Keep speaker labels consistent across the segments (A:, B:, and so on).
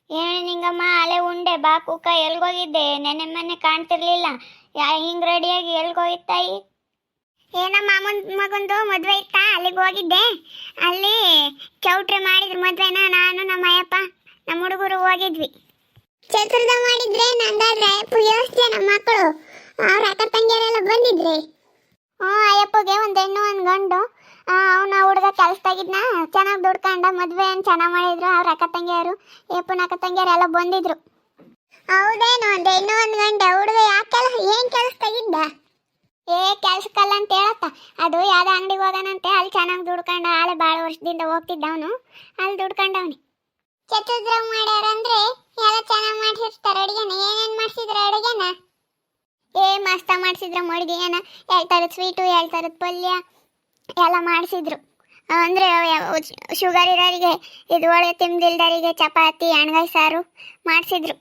A: ಏನು ನಿಂಗಮ್ಮ ಅಲೆ ಉಂಡೆ ಬಾ ಕುಕ್ಕ ಎಲ್ಗೋಗಿದ್ದೆ ನೆನ್ನೆ ಮೊನ್ನೆ ಕಾಣ್ತಿರ್ಲಿಲ್ಲ ಹಿಂಗ್ ರೆಡಿಯಾಗಿ ಎಲ್ಗೋಗಿತ್ತಾಯಿ?
B: ಏನೋ ಮಾಮೂನ್ ಮಗಂದು ಮದ್ವೆ ಇತ್ತಾ, ಅಲ್ಲಿಗೆ ಹೋಗಿದ್ದೆ. ಅಲ್ಲಿ ಚೌಟ್ರಿ ಮಾಡಿದ್ರು ಮದ್ವೆನ. ನಾನು ನಮ್ಮ ಅಯ್ಯಪ್ಪ ನಮ್ಮ ಹುಡುಗರು ಹೋಗಿದ್ವಿ. ಛತ್ರದ ಮಾಡಿದ್ರೆ ನಂಗಾದ್ರೆ ವ್ಯವಸ್ಥೆ ನಮ್ಮ ಮಕ್ಕಳು ಅವ್ರ ಅಕ್ಕ ತಂಗಿಯರೆಲ್ಲ ಬಂದಿದ್ರಿ.
A: ಅಯ್ಯಪ್ಪಗೆ ಒಂದು ಹೆಣ್ಣು ಒಂದು ಗಂಡು. ಅವನ ಹುಡುಗ ಕೆಲ್ಸದಾಗಿದ್ನ ಚೆನ್ನಾಗಿ ದುಡ್ಕೊಂಡ ಮದ್ವೆ ಏನು ಚೆನ್ನಾಗಿ ಮಾಡಿದ್ರು. ಅವ್ರ ಅಕ್ಕ ತಂಗಿಯರು ಅಯ್ಯಪ್ಪನ ಅಕ್ಕ ತಂಗಿಯರು ಎಲ್ಲ ಬಂದಿದ್ರು.
B: ಹೌದೇನು? ಒಂದು ಹೆಣ್ಣು ಒಂದು ಗಂಡ. ಹುಡುಗ ಯಾಕೆಲ್ಲ ಏನ್ ಕೆಲ್ಸದಾಗಿದ್ದ?
A: ಕೆಲ್ಸಕ್ಕಲ್ಲ ಅಂತ ಹೇಳತ್ತ. ಅದು ಯಾವ್ದೋ ಅಂಗಡಿಗೆ ಹೋಗೋಣಂತೆ, ಅಲ್ಲಿ ಚೆನ್ನಾಗಿ ದುಡ್ಕೊಂಡ. ಆಳೆ ಭಾಳ ವರ್ಷದಿಂದ ಹೋಗ್ತಿದ್ದ ಅವನು, ಅಲ್ಲಿ ದುಡ್ಕೊಂಡವನಿ.
B: ಚತುರ್ದ್ರ ಮಾಡ್ಯಾರಂದ್ರೆ ಎಲ್ಲ ಚೆನ್ನಾಗಿ ಮಾಡ್ಸಿರ್ತಾರೆ ಅಡುಗೆನ. ಏನೇನ್ ಮಾಡ್ಸಿದ್ರ ಅಡುಗೆನ?
A: ಮಸ್ತ ಮಾಡಿಸಿದ್ರು ಮಡ್ಗೆನ. 2 ಥರದ ಸ್ವೀಟು, 2 ಥರದ ಪಲ್ಯ ಎಲ್ಲ ಮಾಡಿಸಿದ್ರು. ಅಂದರೆ ಶುಗರ್ ಇರೋರಿಗೆ, ಇದು ಒಳ್ಳೆ ತಿಂದಿಲ್ದರಿಗೆ ಚಪಾತಿ ಎಣ್ಗಾಯಿ ಸಾರು ಮಾಡಿಸಿದ್ರು.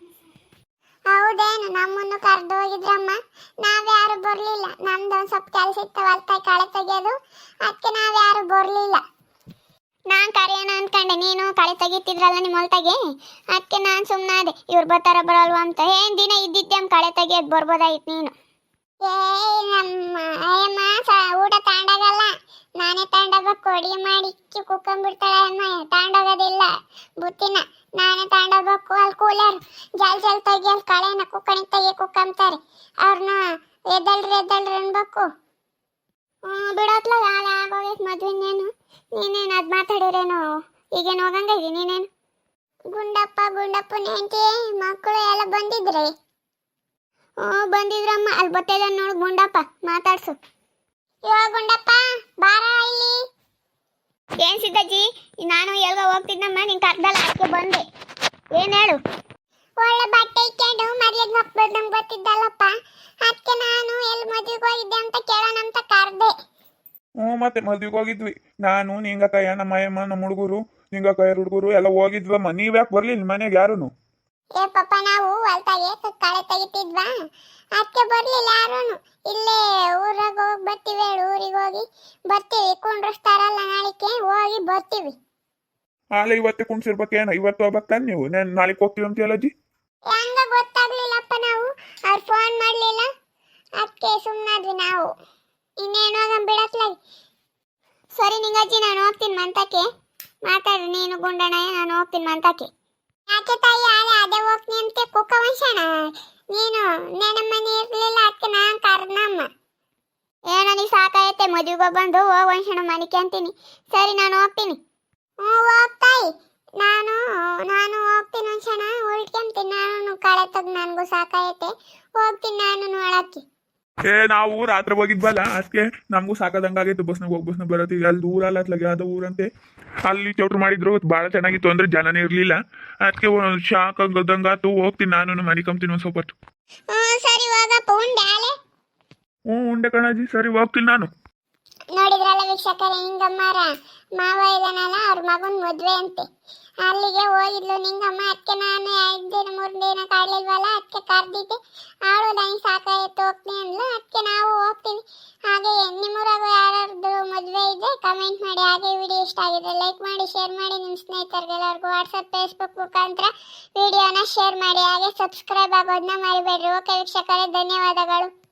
B: ಹೌದೇನು? ನಮ್ಮನ್ನು ಕರೆದು ಹೋಗಿದ್ರಮ್ಮ. ನಾವ್ಯಾರು ಬರ್ಲಿಲ್ಲ. ನಮ್ದು ಒಂದು ಸ್ವಲ್ಪ ಕೆಲಸ ಇತ್ತು, ಹೊಲ್ತಾಯಿ ಕಳೆ ತೆಗಿಯೋದು. ಅದಕ್ಕೆ ನಾವ್ಯಾರು ಬರ್ಲಿಲ್ಲ.
A: ನಾನು ಕರೆಯೋಣ ಅನ್ಕೊಂಡೆ, ನೀನು ಕಳೆ ತೆಗಿತಿದ್ರಲ್ಲ ನಿಮ್ಮ ಹೊಲ್ತಾಗೆ. ಅದಕ್ಕೆ ನಾನು ಸುಮ್ಮನಾದೆ, ಇವ್ರು ಬರ್ತಾರ ಬರಲ್ವಾ ಅಂತ. ದಿನ ಇದ್ದಿದ್ದೆ ಕಳೆ ತೆಗಿಯೋದು, ಬರ್ಬೋದಾಗಿತ್ತು ನೀನು.
B: ನಮ್ಮ ಅಯ್ಯಮ್ಮ ಊಟ ತಾಂಡಾಗಲ್ಲ, ನಾನೇ ತಾಂಡೋಗ್ಬೇಕು. ಅಡುಗೆ ಮಾಡಿ ಕುಕ್ಕೊಂಡ್ಬಿಡ್ತಾಳೆ ಅಮ್ಮ. ತಾಂಡೋಗೋದಿಲ್ಲ ಬುತ್ತಿನ, ನಾನೇ ತಾಂಡೋಗ್ಬೇಕು. ಅಲ್ಲಿ ಕೂಲರ್ ಜಲ್ ತೆಗಿಯಲ್ ಕಳೆನ ಕುಕ್ಕಣಿ ತೆಗಿ ಕುಕ್ಕಂತಾರೆ. ಅವ್ರನ್ನ ಎದ್ದಳ್ರಿ ಅನ್ಬೇಕು.
A: ಬಿಡೋತ್ಲ ಹಾಲ ಆಗೋಗೈತೆ ಮದ್ವೆನೇನು. ನೀನೇನು ಅದು ಮಾತಾಡಿರೇನು? ಈಗೇನು ಹೋಗಂಗಾಗಿ ನೀನೇನು?
B: ಗುಂಡಪ್ಪನ ಹೆಂಡತಿ ಮಕ್ಕಳು ಎಲ್ಲ ಬಂದಿದ್ರಿ?
A: ಬಂದಿದ್ರಮ್ಮ. ಅಲ್ಲಿ ಬರ್ತೇದ ನೋಡು ಗುಂಡಪ್ಪ, ಮಾತಾಡ್ಸು.
B: ಗುಂಡಪ್ಪ ಬಾರ ಇಲ್ಲಿ.
A: ಏನ್ ಸಿದ್ದಜ್ಜಿ, ನಾನು ಎಲ್ಗ ಹೋಗ್ತಿದ್ದಮ್ಮ, ನೀನ್ ಕರ್ದಲ್ಲ, ಅದಕ್ಕೆ ಬಂದೆ. ಏನ್ ಹೇಳು?
B: ಒಳ್ಳೆ ಬಟ್ಟೆ ಇಕ್ಕೊಂಡು ಮರ್ಯಾದ ಮಕ್ಕಳು ನಮ್ಗೆ ಗೊತ್ತಿದ್ದಲ್ಲಪ್ಪ. ಅದಕ್ಕೆ ನಾನು ಎಲ್ಲಿ ಮದುವೆಗೆ ಹೋಗಿದ್ದೆ ಅಂತ ಕೇಳೋಣ ಅಂತ ಕರ್ದೆ.
C: ಮತ್ತೆ ಮದ್ವೆಗೆ ಹೋಗಿದ್ವಿ. ನಾನು ನಿಂಗಕ್ಕಯ್ಯ, ನಮ್ಮ ಅಯ್ಯಮ್ಮ, ನಮ್ಮ ಹುಡುಗರು, ನಿಂಗಕ್ಕಯ್ಯ ಹುಡುಗರು ಎಲ್ಲ ಹೋಗಿದ್ವಮ್ಮ. ನೀವ್ಯಾಕೆ ಬರ್ಲಿಲ್ಲ ಮನೆಗೆ ಯಾರುನು?
B: ಪಾಪ ನಾವು ಹೊಲ್ತಾಗೆ ಕಳೆ ತೆಗಿತಿದ್ವಾ, ಅದಕ್ಕೆ ಬರ್ಲಿಲ್ಲ ಯಾರೂನು. ಇಲ್ಲೇ ಊರಾಗ ಹೋಗಿ ಬರ್ತೀವಿ, ಊರಿಗೆ ಹೋಗಿ ಬರ್ತೀವಿ. ಕುಂಡ್ರಸ್ತಾರಲ್ಲ ನಾಳಿಕೆ, ಹೋಗಿ ಬರ್ತೀವಿ.
C: ಆಲೆ ಇವತ್ತೇ ಕುಣ್ಸಿರ್ಬೇಕೇನ? ಇವತ್ತು ಹೋಗ್ಬೇಕಂತ ನೀವು ನಾಳೆಗೆ ಹೋಗ್ತೀವಿ ಅಂತ ಹೇಳಜ್ಜಿ.
B: ಹೆಂಗ ಗೊತ್ತಾಗ್ಲಿಲ್ಲಪ್ಪ, ನಾವು ಅವ್ರು ಫೋನ್ ಮಾಡ್ಲಿಲ್ಲ, ಅದಕ್ಕೆ ಸುಮ್ಮನಾದ್ವಿ ನಾವು. ಇನ್ನೇನು ಹೋಗಂ ಬಿಡತ್ಲಾಗಿ.
A: ಸರಿ ನಿಂಗಜ್ಜಿ, ನಾನು ಹೋಗ್ತೀನಿ ಮಂತಕ್ಕೆ. ಮಾತಾಡ್ರಿ ನೀನು ಗುಂಡಣ್ಣಯ್ಯ, ನಾನು ಹೋಗ್ತೀನಿ ಮಂತಕ್ಕೆ.
B: ಯಾಕೆ ತಾಯಿ, ಅದೇ ಹೋಗ್ತೀನಿ ಅಂತ ಕುಕ್ಕ ವಂಶಣ. ನೀನು ನೆನೆ ಮನೆ ಇರ್ಲಿಲ್ಲ, ಅದಕ್ಕೆ ನಾನು ಕರ್ದಮ್ಮ.
A: ಏನೋ ನೀ ಸಾಕಾಯತ್ತೆ, ಮದುವೆಗೆ ಬಂದು ವಂಶಣ ಮನಿಕೆ ಅಂತೀನಿ. ಸರಿ ನಾನು ಹೋಗ್ತೀನಿ.
B: ಹೋಗ್ತಾಯಿ, ನಾನು ಹೋಗ್ತೀನಿ ವಂಶಣ, ಉಳ್ಕೊಂತೀನಿ. ನಾನು ಕಳೆ ತೆಗ್ದು ನನಗೂ ಸಾಕಾಯತ್ತೆ, ಹೋಗ್ತೀನಿ ನಾನು ನೋಡಕ್ಕೆ.
C: ನಾವು ರಾತ್ರಿ ಹೋಗಿದ್ವಲ್ಲ, ಅದಕ್ಕೆ ನಮಗೂ ಸಾಕಾದಂಗಾಗಿತ್ತು. ಬಸ್ನಾಗ ಹೋಗಿ ಬಸ್ನಾಗ ಬರತ್ತೀವಿ. ಅಲ್ಲಿ ದೂರ ಅಲ್ಲ, ಅತ್ಲಾಗೆ ಯಾವುದೋ ಊರಂತೆ. ಅಲ್ಲಿ ಚೌಟ್ರು ಮಾಡಿದ್ರು, ಭಾಳ ಚೆನ್ನಾಗಿತ್ತು. ಅಂದ್ರೆ ಜನನೇ ಇರಲಿಲ್ಲ, ಅದಕ್ಕೆ ಶಾಕ್ ಆಗದಂಗಾತು. ಹೋಗ್ತೀನಿ ನಾನು, ಮನಿಕಂತೀನಿ ಒಂದು ಸ್ವಲ್ಪ ಹೊತ್ತು.
B: ಸರಿ ಹೋಗಪ್ಪ. ಉಂಡೆ ಆಲೆ?
C: ಉಂಡೆ ಕಣಾಜಿ. ಸರಿ ಹೋಗ್ತೀನಿ ನಾನು.
B: ನೋಡಿದ್ರಲ್ಲ ವೀಕ್ಷಕರೇ, ನಿಂಗಮ್ಮರ ಮಾವ ಇದಾನಲ್ಲ, ಅವ್ರ ಮಗನ ಮದುವೆ ಅಂತೆ. ಅಲ್ಲಿಗೆ ಹೋಗಿದ್ಲು ನಿಂಗಮ್ಮ. ಅದಕ್ಕೆ ನಾನು 2 ದಿನ 3 ದಿನ ಕಾಡ್ಲಿಲ್ವಲ್ಲ, ಅದಕ್ಕೆ ಕರ್ದಿದ್ದೆ. ಅವಳು ನನಗೆ ಸಾಕಾಯ್ತು ಹೋಗ್ತೀನಿ ಅಂದ್ಲು, ಅದಕ್ಕೆ ನಾವು ಹೋಗ್ತೀವಿ. ಹಾಗೆ ನಿಮ್ಮೂರಾಗ ಯಾರ್ದು ಮದುವೆ ಇದೆ ಕಮೆಂಟ್ ಮಾಡಿ. ಹಾಗೆ ವಿಡಿಯೋ ಇಷ್ಟ ಆಗಿದೆ ಲೈಕ್ ಮಾಡಿ, ಶೇರ್ ಮಾಡಿ. ನಿಮ್ಮ ಸ್ನೇಹಿತರಿಗೆಲ್ಲರಿಗೂ ವಾಟ್ಸಪ್, ಫೇಸ್ಬುಕ್ ಮುಖಾಂತರ ವಿಡಿಯೋನ ಶೇರ್ ಮಾಡಿ. ಹಾಗೆ ಸಬ್ಸ್ಕ್ರೈಬ್ ಆಗೋದನ್ನ ಮರಿಬೇಡ್ರಿ. ಓಕೆ ವೀಕ್ಷಕರೇ, ಧನ್ಯವಾದಗಳು.